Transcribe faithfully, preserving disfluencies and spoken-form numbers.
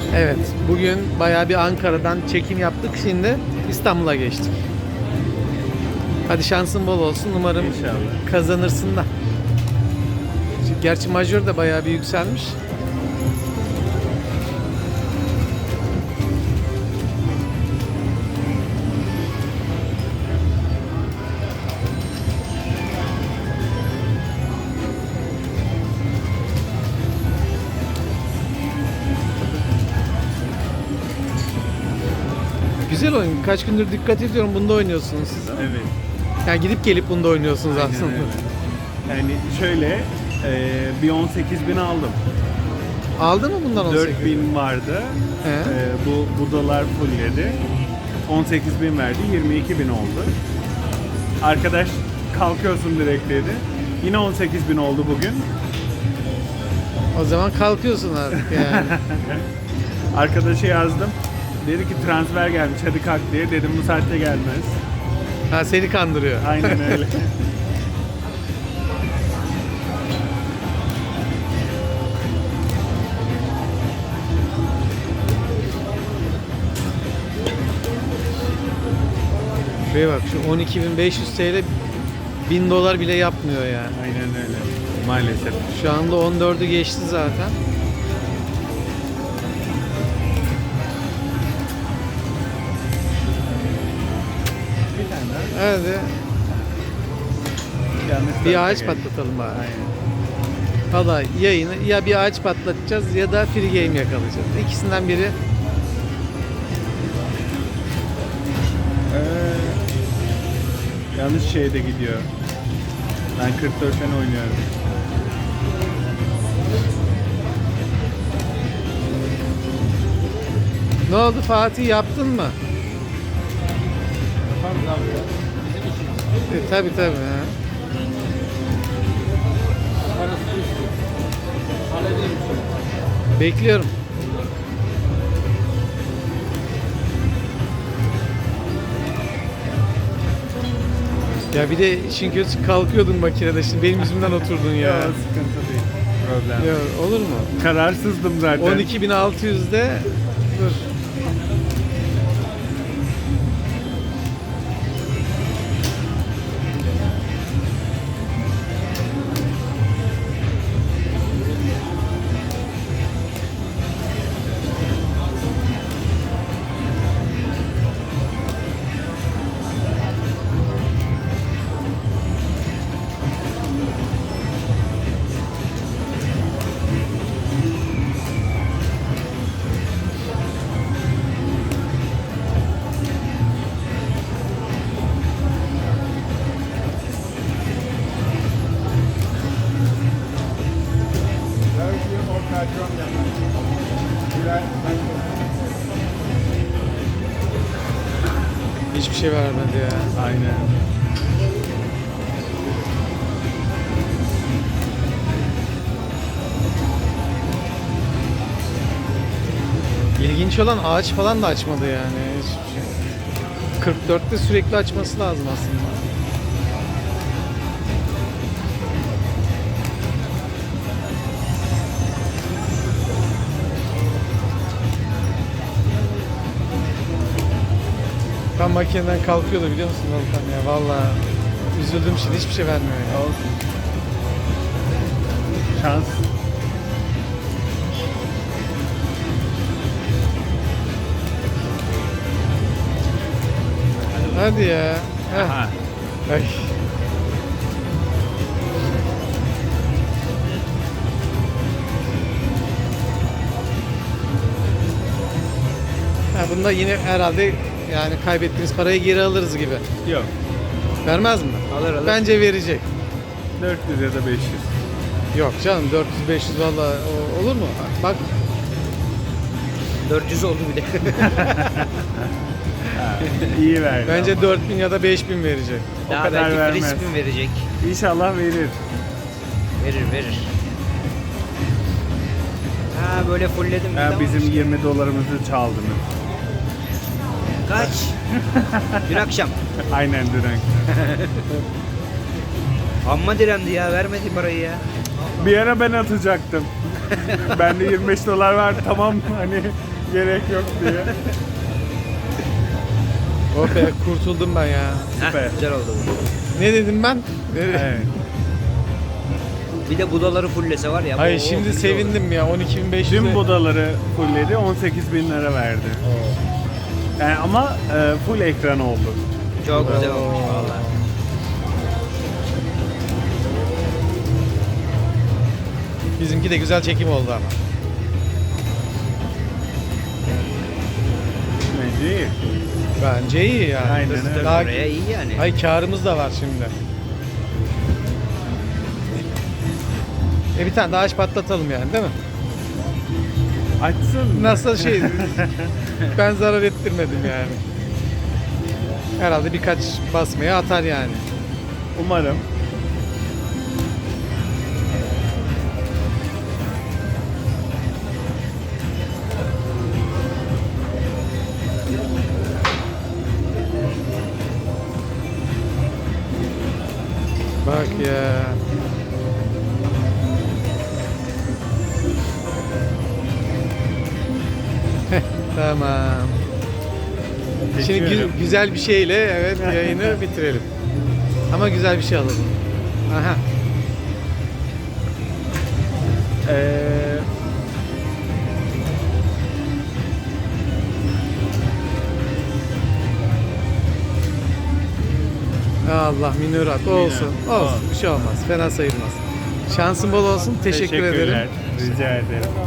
Evet, bugün bayağı bir Ankara'dan çekim yaptık. Şimdi İstanbul'a geçtik. Hadi şansın bol olsun. Umarım İnşallah. kazanırsın da. Gerçi majör de bayağı bir yükselmiş. Güzel oyun. Kaç gündür dikkat ediyorum. Bunda oynuyorsunuz siz. Evet. Yani gidip gelip bunda oynuyorsunuz Aynen aslında. öyle. Yani şöyle e, bir on sekiz bin aldım. Aldın mı bundan on sekiz? dört bin vardı. He. E, bu budalar fullledi. on sekiz bin verdi. yirmi iki bin oldu. Arkadaş kalkıyorsun direkt dedi. Yine on sekiz bin oldu bugün. O zaman kalkıyorsun artık yani. Arkadaşa yazdım. Dedi ki transfer gelmiş hadi kalk diye. Dedim bu saatte gelmez. Ha, seni kandırıyor. Aynen öyle. Şuraya bak, şu on iki bin beş yüz T L bin dolar bile yapmıyor yani. Aynen öyle. Maalesef. Şu anda on dördü geçti zaten. Bir tane daha. Hadi Yanlış bir tarafa ağaç geldi. patlatalım bari. Aynen. Valla yayını ya bir ağaç patlatacağız ya da free game yakalayacağız. İkisinden biri. Ee, yanlış şeyde gidiyor. Ben kırk dörtten oynuyorum. Ne oldu Fatih, yaptın mı? E, tabi tabi. Ha. Bekliyorum. Ya bir de işin kötüsü kalkıyordun makinede, şimdi benim yüzümden oturdun ya. Yok, sıkıntı değil. Problem. Ya olur mu? Kararsızdım zaten. on iki bin altı yüzde dur. Hiçbir şey vermedi ya. Aynen. İlginç olan ağaç falan da açmadı yani. Hiçbir şey. kırk dörtte sürekli açması lazım aslında. Tam makineden kalkıyordu biliyor musun Volkan ya, vallahi üzüldüm, şimdi hiçbir şey vermiyor ya. Olsun. Şans. Hadi ya. Heh. Aha. Ay. Ha, bunda yine herhalde yani kaybettiğimiz parayı geri alırız gibi. Yok. Vermez mi? Alır alır. Bence verecek. dört yüz ya da beş yüz. Yok canım, dört yüz beş yüz valla olur mu? Bak dört yüz oldu bir de. İyi verdi. bence ama. dört bin ya da beş bin verecek. O Daha kadar belki vermez. Crispin verecek. İnşallah verir. Verir verir. Ha böyle fullledim. bir Ha, daha bizim olmuş. yirmi dolarımızı çaldınız. Kaç? Dün akşam. Aynen dün. Amma direndi ya, vermedi parayı ya. Bir ara ben atacaktım. Bende yirmi beş dolar var, tamam hani Gerek yok diye. Oh be, kurtuldum ben ya. Süper. Heh, güzel oldu bu. Ne dedim ben? Ne dedim? Evet. Bir de budaları fullese var ya. Hayır bu- şimdi güzel olur. sevindim ya, on iki bin beş yüz. Tüm budaları fullledi, on sekiz bin lira verdi. Yani ama e, full ekran oldu. Çok güzel olmuş valla. Bizimki de güzel çekim oldu ama. Bence iyi. Bence iyi yani. Aynen Biz öyle. Daha, Oraya iyi yani. ay karımız da var şimdi. E bir tane daha aç patlatalım yani, değil mi? Açsın. Nasıl şey, ben zarar ettirmedim yani. Herhalde birkaç basmaya atar yani. Umarım. Bak ya. Heh, tamam. Şimdi gü- Geçiyorum. güzel bir şeyle evet yayını bitirelim. Ama güzel bir şey alalım. Aha. Ee, Allah minörat olsun. Minörat. Olsun. Bir şey olmaz. Fena sayılmaz. Şansın bol olsun. Teşekkür ederim. teşekkürler. Rica ederim.